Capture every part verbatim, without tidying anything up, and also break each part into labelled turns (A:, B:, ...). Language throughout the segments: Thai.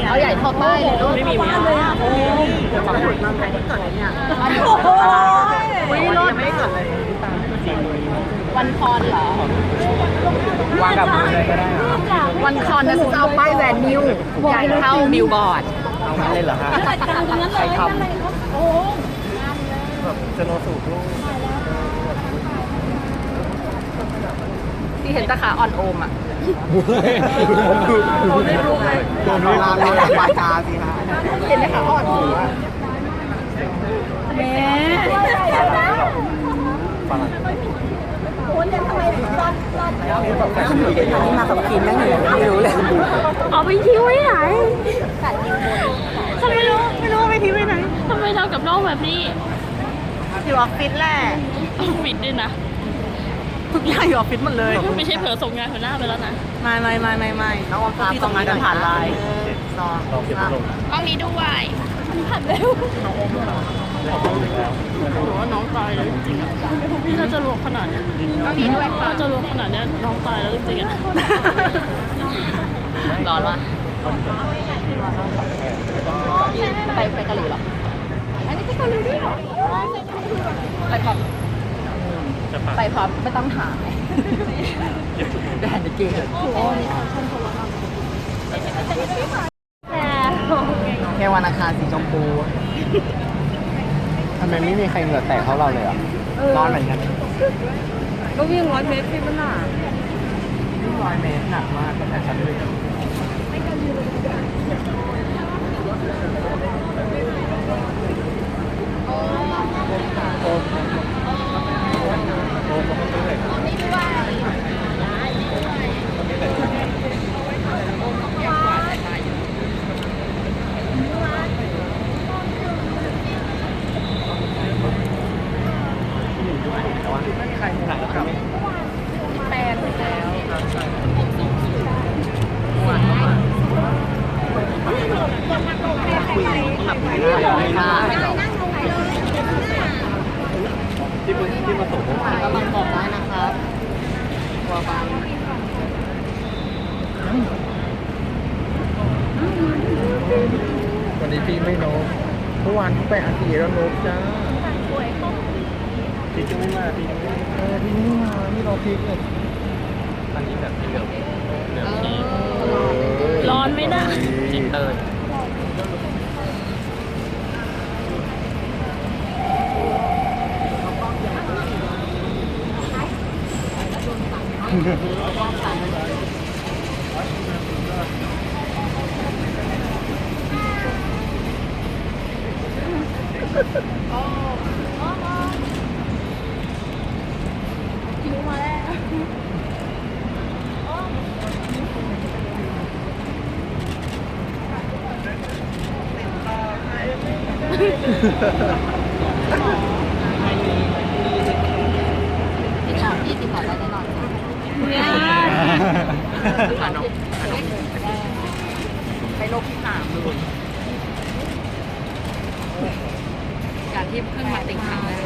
A: เอาใหญ่เท่าป้ายเลยลูกไม่มีไหมเลยอ่ะโอ้ยฝั่งหมดมาใครได้เกิดเนี่ยวันนี้รถไม่ได้เกิดเลยวันคอนเหรอวางกับมือเลยก็ได้วันคอนนะจะเอาป้ายแวนนิวใหญ่เท่าบิลบอร์ด
B: เอางั้นเลยเหรอฮะใครทำแบบจะโนสูบลูก
A: ที่เห็นตาขาอ่อนโอมอ่ะ
B: ไม่รู้เลยโดนลาเราวาจาสิฮะ
A: เห็นตาขาอ่อนโอมแม่
B: ฝรั่ง
A: คุณจะทำไมรอดรอดแล้วอันนี้มากับทีมนั่งอยู่ไม่รู้เลย
C: เอาไปทิ้งไว้ไหนฉันไม่รู้ไม่รู้ไปทิ้งไว้ไหนทำไมทำกับน้องแบบนี้
A: อยู่ออฟฟิศแหละ
C: ออฟฟิศด้วยนะ
A: ทุกอย่างอยู่ออฟฟิศหมดเลย
C: ไม่ใช่เผลอส่งงานหัวหน้าไปแล้วนะ
A: ไม่ไม่ไม่ไม่ไม่น้องออฟฟิศที่ส่งงานกันผ่านไลน์
B: ลองเก็บลง
C: กล้องนี้ด้วยผ่านเร็วหรือว่าน้องตายแล้วจริงๆอ่ะพี่ถ้าจะรวมขนาดเนี้ยกล้องนี้ด้วยถ้าจะรวมขนาดเนี้ยน้องตายแล้วจริงๆอ่ะ
A: ร้อนวะไปไปเกาหลีหรออันนี้ไปเกาหลีด้วยหรอไปพร้อมไปพร้อมไม่ต้องหาแดนเกย์แค่วันอังคารสีชมพู
B: ทำไมไม่มีใครเหงื่อแตกเท่าเราเลยอ่ะร้อนเหมือนกัน
A: ก็วิ่งร้อยเมตรที่มันหนา
B: วิ่งร้อยเมตรหนักมากตั้งแต่ชั้นหนึ่งโอ้โใครหนักครับ
A: แปลนไปแล้วคุยขับไปได้
B: ที่มาที่มาส่ง
A: ก็บังบอกได้นะครับตัวบาง
B: วันนี้พี่ไม่โน้มเมื่อวานพี่ไปอาทิตย์แล้วโน้มจ้าพี่จะไม่มาพี่เออพี่ไม่มานี่เราพีกเลยตอนนี้แบบเหลือเหลือ
C: ร้อนไหมนะ
B: จิตเตอร์
C: คิวมาแล้ว
A: ติดต่อที่ติดต่อได้แน่นอน
C: เนี่ย
A: ขนมขนมไปโลกที่สามเลยการที่เพิ่งมาติดครั้งแรก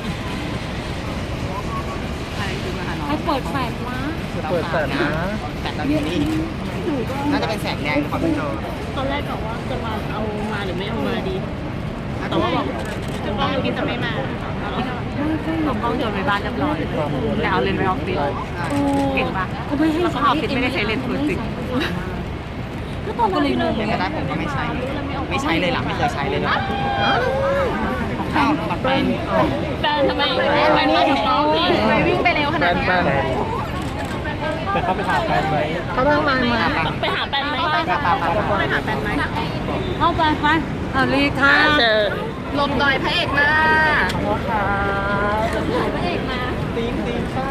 A: ใครคือมาหาน้อง
C: ให้เปิดแฟลชมา
B: เปิดแฟลชนะ
A: แฟลชตอนนี้น่าจะเป็นแสงแดงของพี่โจ
C: ตอนแรกบอกว่าจะมาเอามาหรือไม่เอามาดีแต่ว่าบอกจะกล้องกินจะไม่มา
A: เอากล้องโยนไปบ้านเรียบร้อยแต่เอาเลนส์ไปออฟฟิศเก่งปะแล้วก็ออฟฟิศไม่ได้ใช้เลนส์ฟูจิ
C: ก็ตอนนั้นเลย
A: เดี๋ยวก็ได้ผมก็ไม่ใช้ไม่ใช้เลยหลังไม่เคยใช้เลยนะข้าวก่อนไป
C: แฟนทำไมแฟนมาถึงน้องพี่
A: ไปวิ่งไปเร็วขนาดนี้
B: แต่เขาไปหาแฟนไหม
A: เขาเพิ่งมา
C: ไปหาแฟนไหม
A: ไปไปไปหาแฟนไหม
C: เข้าไปไป
A: เอาลีค่ะ
C: เจอ
A: ลมดอยพระเอกมา
C: พระเอกมา
B: ตีนตีน